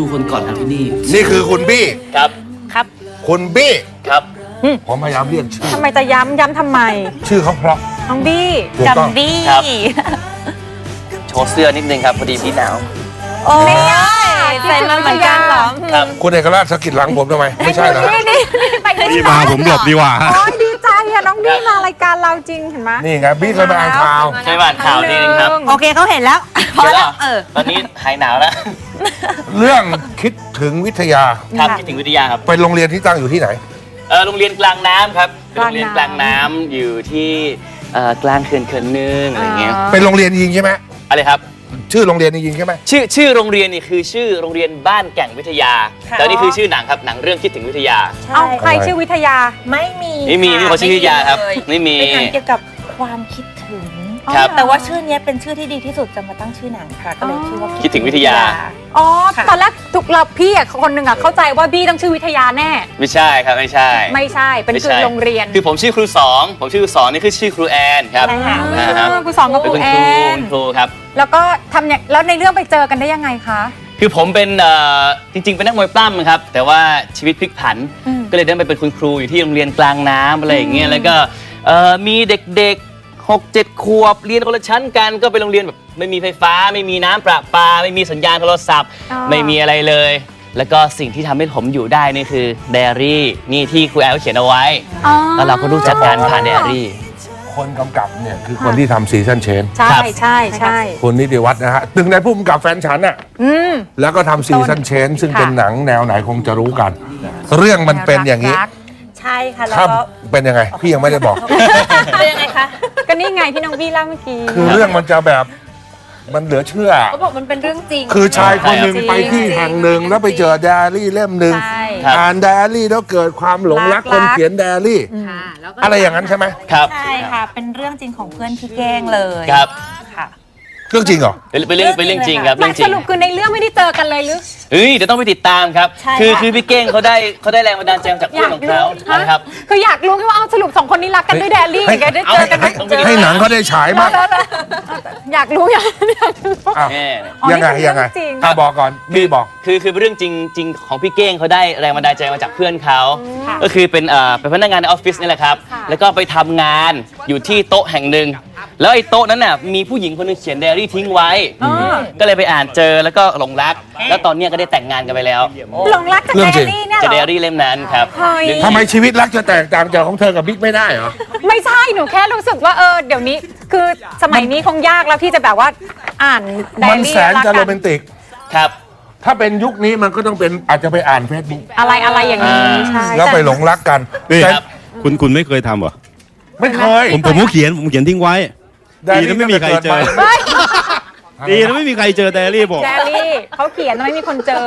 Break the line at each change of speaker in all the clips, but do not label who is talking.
รูคนก่อนของที่นี่
นี่คือคุณบี้
ครับ
ครับ
คุณบี้
ครับ
ผมพยายามเรียกชื่อ
ทำไมจะย้ำทำไม
ชื่อเขาเพราะ
น้องบี้
ถูกต้อง
จำบี้
ครับ โชว์เสื้อนิดนึงครับพอดีพี่หนาว
โอ้ยใส่มาเหมือนกันเหรอ
ครับ
คุณเอกราชสะกิดหลังผมทำไมไม่ใช่เหรอ
นี่ไปที่
พี่มาผมหลบดีกว่า
โอ้ยดีใจอะน้องบี้มารายการเราจริงเห็นไหม
นี่ไงบี้เคยมาอ่านข่าว
ใช่บ้านข่าวนิดนึงครับ
โอเคเขาเห็นแล้วพอ
เดี๋ยว
แล้ว
ตอนนี้หายหนาวแล้ว
เรื่องคิดถึงวิทยา
ครับคิดถึงวิทยาครับ
เป็นโรงเรียนที่ตั้งอยู่ที่ไหน
โรงเรียนกลางน้ำครับเป็นโรงเรียนกลางน้ำอยู่ที่กลางเขื่อนนึงอะไรเงี้ย
เป็นโรงเรียนจริงใช่ไหม
อะไรครับ
ชื่อโรงเรียนจริงใช่ไหม
ชื่อโรงเรียนนี่คือชื่อโรงเรียนบ้านแก่งวิทยา แต่นี่คือชื่อหนังครับหนังเรื่องคิดถึงวิทยา
เอาใครชื่อวิทยา
ไม่มี
ไม่มี
ค่ะ
คนชื่อวิทยาครับไม่มี
เป็นหนังเกี่ยวกับความคิดถึง
ครับ
แต่ว่าชื่อเนี้ยเป็นชื่อที่ดีที่สุดจะมาตั้งชื่อหนังค่ะก็เลยชื่อว่า
คิดถึงวิทยา
อ๋อ
ค่ะ
ตอนแรกทุกเราพี่อะคนหนึ่งอะเข้าใจว่าบี้ต้องชื่อวิทยาแน่
ไม่ใช่ครับไม่ใช่
ไม่ใช่เป็นคือโรงเรียน
คือผมชื่อครูสองผมชื่อครูสองนี่คือชื่อครูแอนครับ
ใช่ค่ะ
นะครับ
ครูสองกับ
เป็
คน รู
คุณ
แอ
ครู
น
คุณครูครับ
แล้วก็ทำอย่างแล้วในเรื่องไปเจอกันได้ยังไงคะ
คือผมเป็นจริงๆเป็นนักมวยปล้ำครับแต่ว่าชีวิตพลิกผัน ก็เลยได้ไปเป็นคุณครูอยู่ที่โรงเรียนกลางน้ำอะไรอย่างเงี้ยแล้วก็มีเด็กๆ6-7 ขวบเรียนคนละชั้นกันก็เป็นโรงเรียนแบบไม่มีไฟฟ้าไม่มีน้ำประปาไม่มีสัญญาณโทรศัพท์ ไม่มีอะไรเลย แล้วก็สิ่งที่ทำให้ผมอยู่ได้นี่คือไดอารี่นี่ที่ครูแอลเขียนเอาไว้
อ๋อ
แล้วเราก็รู้จักการผ่านไดอารี่
คนกำกับเนี่ยคือคนที่ทำซีซันเชน
ใช่
ครับ
ใช่ใช่
คุณนิติวัฒน์นะฮะตึงในผู้กำกับแฟนฉันน่ะ
อืม
แล้วก็ทำซีซันเชนซึ่ง
ค่ะ
เป็นหนังแนวไหนคงจะรู้กัน เรื่องมันเป็นอย่างนี้
รัก
ใช่ค่ะแล้ว
ถ้า
ก็
เป็นยังไง พี่ยังไม่ได้บอก
เป็นยังไงคะ
ก็นี่ไงที่น้องบี้เล่าเมื่อกี้
คือเรื่องมันจะแบบมันเหลือเชื่อ
เขาบอกมันเป็นเรื่องจริง
คือชายคนหนึ่ง
จริง
ไปที่แห่งหนึ่งแล้วไปเจอไดอารี่เล่มหนึ่ง
ใช่
ครับ
อ่านไดอารี่แล้วเกิดความหลงรัก
รัก
คนเขียนไดอารี่
ค่ะแล้วก็
อะไรอย่างนั้นใช่ไหม
ครับ
ใช่ค่ะ เป็นเรื่องจริงของเพื่อนที่แกล้งเลย
ครับ
ค่ะ
เรื่องจริงเหรอ
เป็นเรื่องจริงครับ
ไม่
เรื่องจริ
ส
ง
รุปคือในเรื่องไม่ได้เจอกันเลยหรือ
เฮ้ยเดี๋ยวต้องไปติดตามครับ
ใช่
คือ
ค่ะ
คือพี่เก้งเขาได้แรงบันดาลใจมาจากเพื่อนของเขา
ฮะ
นะครับ
คืออยากรู้แค่ว่าเอาสรุปสองคนนี้รักกันด้วยแดลลี่
ให้
ไงได้เจอกันไหม
ให้หนังเขาได้ฉายมาก
อยากรู้อยากรู้
อ้าว
แม่
อ๋อ
ยังไง
นี่คือ
ยังไง
เรื่องจริง
ถ้าบอกก่อนพี่บอก
คือเรื่องจริงของพี่เก้งเขาได้แรงบันดาลใจมาจากเพื่อนเขา
ค่ะ
ก็คือเป็นพนักงานในออฟฟิศนี่แหละครับ
ค่ะ
แล้วก็ไปทำงานอยู่ที่โต๊ะแห่งหนึ่งแล้วไอ้โต๊ะนั้นน่ะมีผู้หญิงคนหนึงเขียนไดอารี่ทิ้งไว้ ก็เลยไปอ่านเจอแล้วก็หลงรัก แล้วตอนเนี้ยก็ได้แต่งงานกันไปแล้ว
หลงรักกับ
เรื่
แด
องจริ
ล
ง
ลี่เนี่ย
จะ
เห
ได
รอ
อารี่เล่มนั้นครับ
เฮ้ย
เรื่อง
ทำไมชีวิตรักจะแตกต่างจากของเธอกับบิ๊กไม่ได้เหรอ
ไม่ใช่หนูแค่รู้สึกว่าเดี๋ยวนี้คือสมัยนี้คงยากแล้วที่จะแบบว่าอ่านได
มั
อาน รี่
แสนจะโรแมนติก
ครับ
ถ้าเป็นยุคนี้มันก็ต้องเป็นอาจจะไปอ่านเฟซบุ๊ก
อะไรอย่างนี้ใช่
แล้วไปหลงรักกัน
นี่
แต่
ครับ
คุณไม่เคยทำเหรอ
ไม่เคย
ผมก็เขียนทิ้งไว้ ดีนะไม่มีใครเจอ
เฮ้ย
ดีนะไม่มีใครเจอไดอารี่บอก
แดลลี่เขาเขียนไม่มีคนเจอ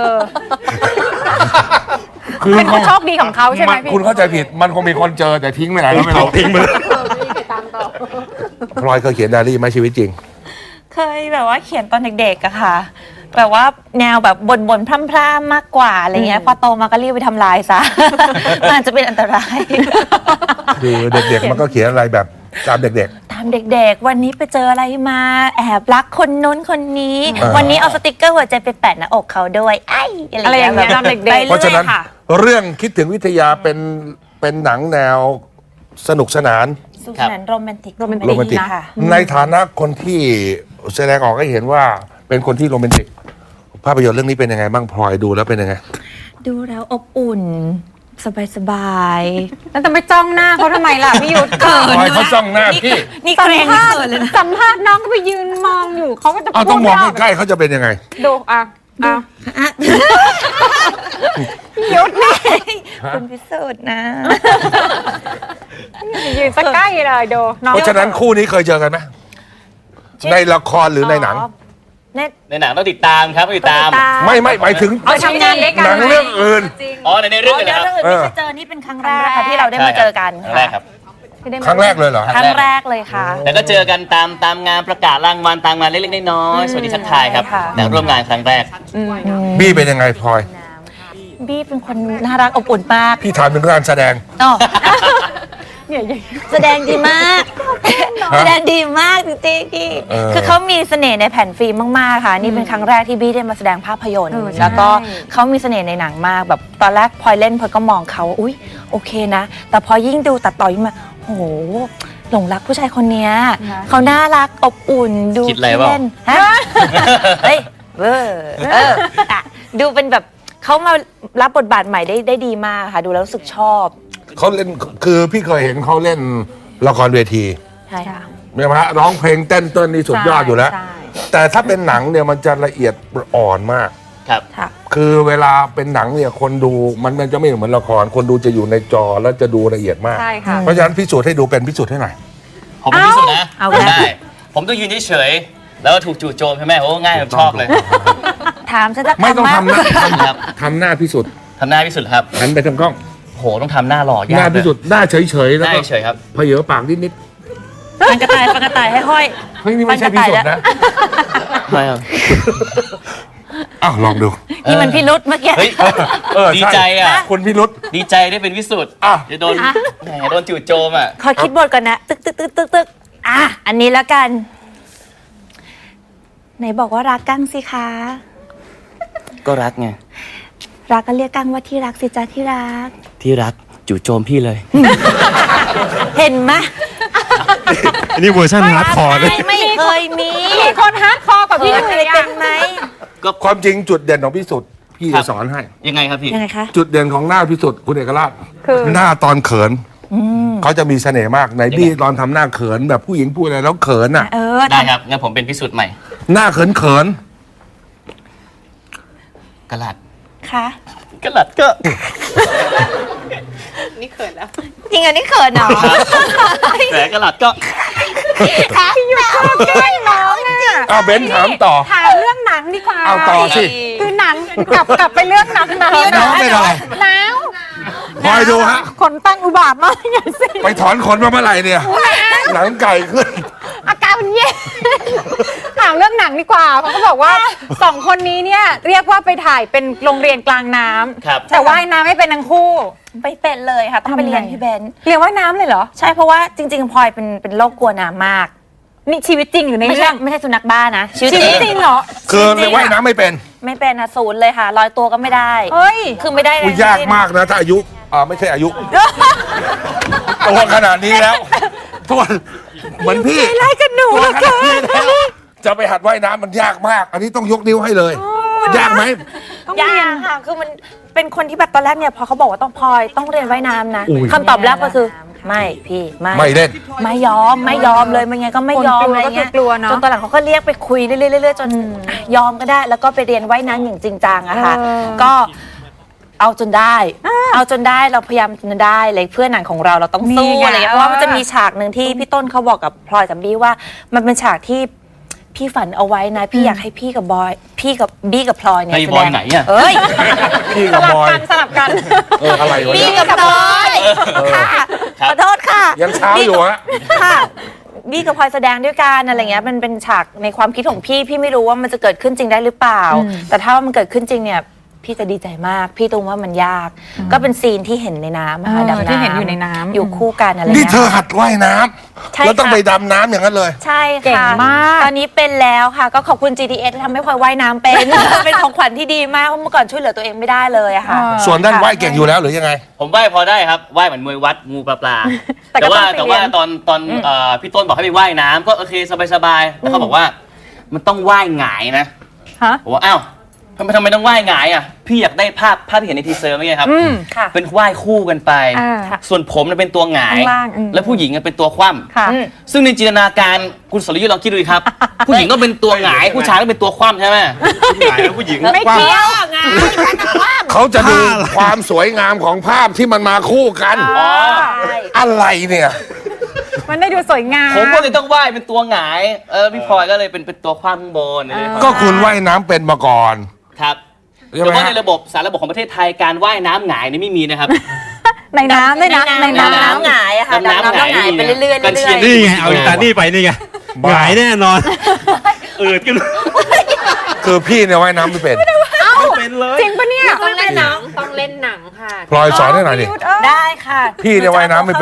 คือ
เป็นคนโชคดีของเขาใช่ไหมพี่
คุณเข้าใจผิดมันคงมีคนเจอแต่ทิ้งไปไหนก็ไม่รู้
ทิ้งไปเลย
พลอยเคยเขียนไดอารี่ไหมชีวิตจริง
เคยแบบว่าเขียนตอนเด็กๆอะค่ะ แบบว่าแนวแบบบ่นๆพร่ำๆมากกว่าอะไรเงี้ยพอโตมาก็รีบไปทำลายซะ อาจจะเป็นอันตราย
คือเด็กๆมันก็เขียนอะไรแบบตามเด็ก
ตามเด็กๆ วันนี้ไปเจออะไรมาแอบรักคนนู้นคนนี้
อ่า
วันนี้เอาสติกเกอร์หัวใจไปแปะหน้าอกเขาด้วยไอ้
อะไรอย่างเงี้ยตอนเด็กๆ
ไป
ๆ เพราะ
เรื่
ฉะ
อ
นั้
ย
น
ค่ะ
เรื่องคิดถึงวิทยาเป็นหนังแนวสนุกสนาน
สุขสันต์โรแมนติก
โรแมนติก
ค่ะ
ในฐานะคนที่แสดงออกให้เห็นว่าเป็นคนที่โรแมนติก ภาพยนตร์เรื่องนี้เป็นยังไงบ้างพลอยดูแล้วเป็นยังไง
ดูแล้วอบอุ่น สบาย
แล้วจะไปจ้องหน้าเขาทำไมล่ะพี่ยุทธ
พลอยเขาจ้องหน้าพี่
ๆ นี่
สั
เก
ม
รง
ภาษ
เกินเลย
ณ์
นะ
สัมภาษณ์น้องก็ไปยืนมองอยู่เขาก็จะ
เอาต้องมอง
พูด
ใกล้ๆเขาจะเป็นยังไง
ดูยุทธแม่
คุณพิสูจน์นะ
ยืนสักใกล้เลยดูน้อง
เพราะฉะนั้นคู่นี้เคยเจอกันไหมในละครหรือในหนัง
ในหนังต้องติดตามครับต้องติดตาม
ไม่หมายถึง
เอาทำงานด้วยกัน
หนังเรื่องอื่น
อ๋อในเรื่องเลย
เดี๋ยว
ครับ
เรื่องอื่นไม่เคยเจอนี่เป็นครั้งแรกค่ะที่เราได้มาเจอกัน
ครั้งแรกครับ
ครั้งแรกเลยเหรอ
ครั้งแรกเลยค่ะ
แต่ก็เจอกันตามงานประกาศรางวัลตามงานเล็กๆน้อยๆสวัสดีทักทายครับ
ค่ะ
แต่ร่วมงานครั้งแรก
บี้เป็นยังไงพลอย
บี้เป็นคนน่ารักอบอุ่นมาก
พี่ถามถึงการแสดง
อ๋อ
เนี่ย
แสดงดีมาก แสดงดีมากจริงๆพี่ คือเขามีเสน่ห์ในแผ่นฟิล์มมากๆค่ะ นี่เป็นครั้งแรกที่บี้ได้มาแสดงภาพยนตร์ แล้วก็เขามีเสน่ห์ในหนังมากแบบตอนแรกพลอยเล่นพลอยก็มองเขาอุ๊ยโอเคนะ แต่พอยิ่งดูตัดต่อยิ่งมาโหหลงรักผู้ชายคนเนี้ยเขาน่ารักอบอุ่นดู
คิดอะไรเปล่า
เล่นฮะ เฮ้ยอ่ะดูเป็นแบบเขามารับบทบาทใหม่ได้ดีมากค่ะ ดูแล้วรู้สึกชอบ
เขาเล่นคือพี่เคยเห็นเขาเล่นละครเวที
ใช่ค่ะ
ใช่ไหมฮะร้องเพลงเต้นนี่สุดยอดอยู่แล้ว
ใช่
แต่ถ้าเป็นหนังเนี่ยมันจะละเอียดอ่อนมาก
ครับ
ค่ะ
คือเวลาเป็นหนังเนี่ยคนดูมันจะไม่เหมือนละคร คนดูจะอยู่ในจอแล้วจะดูละเอียดมาก
ใช่ค่ะ
เพราะฉะนั้นพิสูจน์ให้ดูเป็นพิสูจน์ให้หน่อย
ผมเป็นที่สุดนะ
เอา
ผม
แล้ว
ได้ ผมต้องยืนเฉยๆแล้วก็ถูกจู่โจมใช่ไหมโอ้ง่ายผมชอบเลย
ถามฉันจะ
ไม่ต้อง
คำ
ทำหน้า
ครับ
ทำหน้าพิสูจน์
ทำหน้าพิสุทธิ์ครับ
หันไปทางกล้อง
โหต้องทำหน้าหล่อ
หน้าย
ากเล
พิ
ย
สูจน์หน้าเฉยๆ
ห
แล้ว
น้า
ก็
เฉยๆครับ
เพเยอปากนิด
ฟันกระต่ายให้ห้อย
ๆเฮ้ยนี่ไม่ใช่พิสูจน์นะ
ไม่ครับ
อ้าวลองดู
นี่มันพิรุษเมื่อกี้
เฮ้ย ดี
ช่
ใจอ่ะ
คุณพิรุษ
ดีใจได้เป็นวิสุทธ์
อ่ะ
จะโดนแหมโดนจู่โจมอ่ะ
ขอคิดบทก่อนนะ ตึกอ่ะอันนี้แล้วกัน ไหนบอกว่ารักกั้งสิคะ
ก็รักไง
รักก็เรียกกั้งว่าที่รักสิจ้าที่รัก
ที่รักจู่โจมพี่เลย
เห็นไหม
อันนี้เวอร์ชันฮาร์ดคอร์เลย
ไม่เคยมี
มีคนฮาร์ดคอร์กว่า
เค
พี่
ย
หนุ่ย
เป็
อะ
นไหม
ความจริงจุดเด่นของพิสุทธิ์พี่
ครั
จะ
บ
สอนให้
ยังไงครับพี่
ยังไงคะ
จุดเด่นของหน้าพิสุทธิ์คุณเอกราช
คือ
หน้าตอนเขินเขาจะมีเสน่ห์มากในบี้ตอนทำหน้าเขินแบบผู้หญิงพูดอะไรแล้วเขินอ่ะ
ได้ครับ งั้นผมเป็นพิสุทธิ์ใหม่
หน้าเขินเขิน
กระหลัด
ค่ะ
กระหลัดก็
จริงอันนี้เขินเหรอ
แหมกระหลัดก็
ค่ะอยู่ใกล้น้องอ่ะ
อ้าวเบนถามต่อ
ถามเรื่องหนังดีกว่า
เอาต่อสิ
คือหนังกลับไปเรื่องหนัง
น้องเป็นอะไร
หนาว
คอยดูฮะ
ขนตั้งอุบาทมากอย่างสิ
ไปถอนขนมาเมื่อไหร่เนี่ย หนังไก่ขึ้น
อาการมันเย็นถามเรื่องหนังดีกว่าเขาก็บอกว่าสองคนนี้เนี่ยเรียกว่าไปถ่ายเป็นโรงเรียนกลางน้ำ
ครับ
แต่ว่ายน้ำไม่เป็นทั้งคู่
ไปเป็นเลยค่ะ ต้องไปเรียน
ทำไง
พี่เบน
เรียนว่ายน้ำเลยเหรอ
ใช่เพราะว่าจริงๆพลอยเป็นโรคกลัวน้ำมาก
นี่ชีวิตจริงหรือใน
ไม่
เรื่
ใช่
อง
ไม่ใช่สุนัขบ้านะ
ชีวิตจริงเหรอ
คือ
จริงๆ
ว่ายน้ำไม่เป็น
ไม่เป็นนะศูนย์เลยค่ะลอยตัวก็ไม่ได้
เฮ้ย
คือไม่ได้เล
อุ้ย
ย
ยากมากนะ ถ้าอายุไม่ใช่อายุ ตัวขนาดนี้แล้วตัวเหมือนพี่
ไล่กันหนู
ตัว
เหลือ
ข
เกิ
นาดนี้
น
แล้วจะไปหัดว่ายน้ำมันยากมาก อันนี้ต้องยกนิ้วให้เลย ยากไหม
ยากค่ะ คือมันเป็นคนที่แบบตอนแรกเนี่ยพอเขาบอกว่าต้องพลอยต้องเรียนว่ายน้ำนะ
อุ้ย
คำตอบแรกก็คือไม่พี่ไม่
ไม่เล่น
ไม่ยอมเลยมันไงก็ไม่ยอม
คนกลัว
อะไรเงี้ย
ก็คือกลัวเนอะ
จนตอนหลังเขาก็เรียกไปคุยเรื่อยๆจนอ่ะยอมก็ได้ แล้วก็ไปเรียนว่ายน้ำอย่างจริงจังอะค่ะ ก็เอาจนได้ เอาจนได้เราพยายามจนได้เลยเพื่อหนังของเราต้องสู้
นี่ไง
อะไรเงี้ยเพราะว่ามันจะมีฉากหนึ่งที่พี่ต้นเขาบอกกับพลอยกับบี้ว่ามันเป็นฉากที่พี่ฝันเอาไว้นะ พี่อยากให้พี่กับบี้กับพลอยเนี่ย
ไอ้
แส
บ
ด
อย
ง
ไหนอ่ะ
เอ้ย
พี่
ส
กับ
ลั
บบ อย
กันสลับกัน
อะไรวะ
บี้
เนี่ย
กับพลอยค่ะขอโทษค่ะ
ยังเช้าอยู่ฮะ
ค่ะบี้กับพลอยแสดงด้วยกันอะไรเงี้ยมันเป็นฉากในความคิดของพี่ไม่รู้ว่ามันจะเกิดขึ้นจริงได้หรือเปล่า แต่ถ้ามันเกิดขึ้นจริงเนี่ยพี่จะดีใจมาก พี่ตรงว่ามันยาก ก็เป็นซีนที่เห็นในน้ำอะค่ะ
เออ
ดำน้ำ
ที่เห็นอยู่ในน้ำ
อยู่คู่กันอะไร
นี่
เงี้ย
เธอหัดว่ายน้
ใช่
ำแล้วต้อง
ค่ะ
ไปดำน้ำอย่างนั้นเลย
ใช่
เก่ง
ค่ะ
มาก
ตอนนี้เป็นแล้วค่ะ ก็ขอบคุณ GTS ที่ทำให้พลอยว่ายน้ำเป็น เป็นของขวัญที่ดีมากเพราะเมื่อก่อนช่วยเหลือตัวเองไม่ได้เลยอะค่ะ
ส่วนด้านว่ายเก่งอยู่แล้วหรือยังไง
ผมว่ายพอได้ครับว่ายเหมือนมวยวัดงูปลา
แต่ก็
แต่
ต้อง
ว่า
ไปเรียน
ตอนพี่ต้นบอกให้ไปว่ายน้ำก็โอเคสบายๆแล้วเขาบอกว่ามันต้องว่ายหงายนะ
ฮะ
ผมว่าอ้าวทำไมต้องว่ายหงายอ่ะพี่อยากได้ภาพที่เห็นในทีเซอร์เมื่อกี้ครับ
ค่ะ
เป็นว่ายคู่กันไป
อ่า
ส่วนผมน่ะเป็นตัวหงาย
ข้างล่าง
แล้วผู้หญิงน่ะเป็นตัวคว่
ค่ะ
ำซึ่งในจินตนาการคุณสรยุทธ์ลองคิดดูดิครับ ผู้หญิงก็เป็นตัวหงายผู้ชายก็เป็นตัวคว่ำใช่ไหม
หงายแล้วผู้หญิง
ไม่
ว่า
เกี่ยวไง
เขาจะดูความสวยงามของภาพที่มันมาคู่กัน
อ๋อ
อะไรเนี่ย
มันได้ดูสวยงาม
ผมก็เลยต้องว่ายเป็นตัวหงายพี่พลอยก็เลยเป็นตัวคว่ำข้างบนอะไรอย่างเงี้ย
ก็คุณว่ายน้ำเป็นมาก่อน
ครับ
ใช่
แต่
ไหม
ว่า
ฮะ
ในระบบสารระบบของประเทศไทยการว่ายน้ำหงายนี่ไม่มีนะครับ
ในน้ำด้วยนะ ใน
น้ำ
น้ำ
หงายอะค่ะ
น้ำ
น้ำ
หงาย
หงายไปเรื่อยๆเรื่
กันเชี
อย
ยร์
ๆ
นี่ไง เอาอิตานี่ไปนี่ไง
บ้า
หงายแน่นอนอืดกัน
คือพี่เนี่ยว่ายน้ำไม่เป็น
ไม่เป็นเลย
จริงปะเนี่ย
ต้องเล่นหนังค่ะ
พลอยสอนให้หน่อยดิ
ได้ค่ะ
พี่เนี่ยว่ายน้ำไม่เป็น
ข้อแรก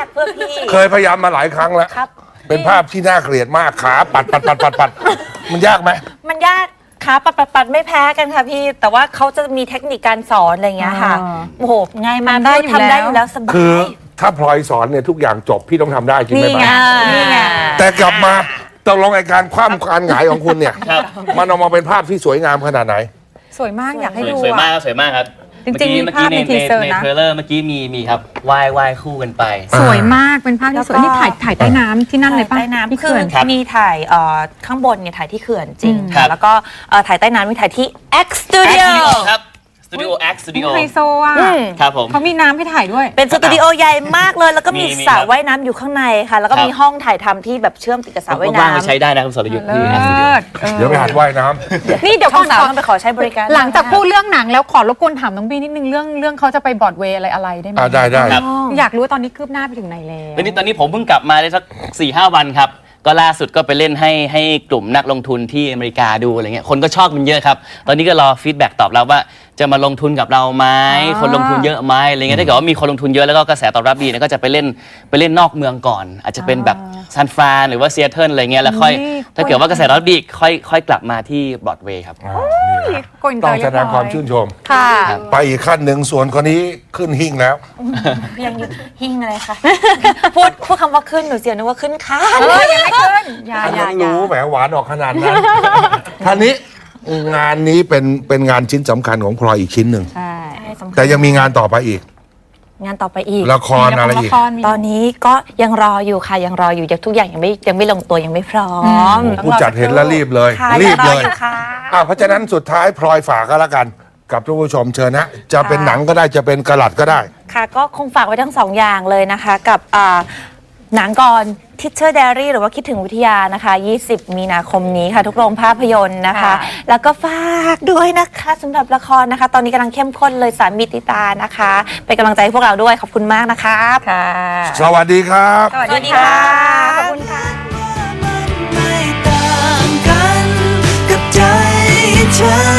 เพื่อพี่
เคยพยายามมาหลายครั้งแล้ว
ครับ
เป็นภาพที่น่าเกลียดมากขาปัดมันยากไหม
มันยากขาปัดไม่แพ้กันค่ะพี่ แต่ว่าเขาจะมีเทคนิคการสอนอะไรอย่างเงี้ยค่ะ
อ่า
โอ้โหง่ายมาก
ทำได้อยู่
ทำได้
แล้ว
อยู่แล้วสบาย
คือถ้าพลอยสอนเนี่ยทุกอย่างจบพี่ต้องทำได้จริงไหม
นี่ไง
บ้า
นี่ไง
แต่กลับมาตกลงไอ้การคว่ำการหงายของคุณเนี่ย
ครับ
มันออกมาเป็นภาพที่สวยงามขนาดไหน
สวยมากอยากให้ดู
สวยมาก
อะ
สวยมากครับ
จริงๆมี
เมื่อ
ภา
กี้
พใน
ใน
ทีเซอร์
ใน
นะ
เทรลเลอร์เมื่อกี้มีครับว่ายคู่กันไป
สวยมากเป็นภาพที่สวย
แล้วก็
นี่ถ่ายใต้น้ำที่นั่นเลยป่ะ
ใต้น้ำ
ที่
คือ
เขื่อน
ครับ
มีถ่ายข้างบนเนี่ยถ่ายที่เขื่อนจริง
ครั
ค่ะ
บ
แล้วก็ถ่ายใต้น้ำมีถ่ายที่ X
X
Studio
Studio ครับสตูดิโอ X Studio
ไฮโซอ่ะ
อืม
ครับผม
เขามีน้ำให้ถ่ายด้วย
เป็นสตูดิโอใหญ่มากเลย แล้วก็มี
มี
สระ
ครับ
ว่ายน้ำอยู่ข้างในค่ะ แล้วก็
ครับ
มีห้องถ่ายทำที่แบบเชื่อมติดกับสระว่าย
ว่างๆไป
น้ำ
ใช้ได้นะคุณสรยุทธ์ที่
เลิ
X Studio
ศเออ
เดี๋ยวไปหัดว่ายน้ำ
นี่เดี๋ยว
ช่
ก่
อ
อง น
สามต้องไปขอใช้บริการ
หลังจากพูดเรื่องหนังแล้วขอรบกวนถามน้องบีนิดนึงเรื่องเขาจะไปบรอดเวย์อะไรได้ไหม
ได้
ครับ
อยากรู้ว่าตอนนี้คืบหน้าไปถึงไหนแล้ว
ตอนนี้ผมเพิ่งกลับมาได้สัก 4-5 วันครับ ก็ล่าสุดก็ไปเล่นให้กลุ่มนักลงทุนที่อเมริกาดูอะไรเงี้ยคนก็ชอบมันเยอะครับ ตอนนี้ก็รอฟีดแบ็กตอบรับว่าจะมาลงทุนกับเราไหมคนลงทุนเยอะไหมอะไรเงี้ยถ้าเกิดว่ามีคนลงทุนเยอะแล้วก็กระแสตอบรับดีเนี่ยก็จะไปเล่นนอกเมืองก่อน อาจจะเป็นแบบซานฟรานหรือว่าซีแอตเทิลอะไรเงี้ยแล้วค่อยถ้าเกิดว่ากระแสตอบรับดีค่อยกลับมาที่บรอดเวย์ครับ
โกอินเต
ต้
อ
อง
ร์
แส
เรียบ
ด
ร้
งความ
อย
ชื่นชม
ค่ะ
ไปอีกขั้นหนึ่งส่วนคนนี้ขึ้นหิ้งแล้ว
ยังอยู่หิ้งอะไรคะ พูดคำว่าขึ้นหนูเสียนึกว่าขึ้นคาน
ยังไม่ขึ้นอย่า
ยังรู้แหมหวานออกขนาดนั้นท่านี้งานนี้เป็นงานชิ้นสำคัญของพลอยอีกชิ้นหนึ่ง
ใช่
แต่ยังมีงานต่อไปอีก
งานต่อไปอีก
ละครอะไรอีก
ตอนนี้ก็ยังรออยู่ค่ะยังรออยู่ยังทุกอย่างยังไม่ลงตัวยังไม่พร้อม
ผู้จัดเห็นแล้วรีบเลย
ค่ะ
รีบ
งร
เล
อย อยู่ค่ะ
เพราะฉะนั้นสุดท้ายพลอยฝากก็แล้วกัน กับทุกผู้ชมเชิญนะ จะเป็นหนังก็ได้จะเป็นกระหลัดก็ได้
ค่ะก็คงฝากไว้ทั้งสองอย่างเลยนะคะกับหนังก่อน Teacher Diary หรือว่าคิดถึงวิทยานะคะ 20 มีนาคมนี้ค่ะ ทุกโรงภาพยนตร์นะคะ แล้วก็ฝากด้วยนะคะสำหรับละครนะคะ ตอนนี้กำลังเข้มข้นเลยสามีติตานะคะ เป็นกำลังใจให้พวกเราด้วยขอบคุณมากนะคะ
ค่ะ
สวัสดีครับ
สวัสดีค่ะ
ขอบคุณค่ะ
ไม่ต่างกันกับใจเธอ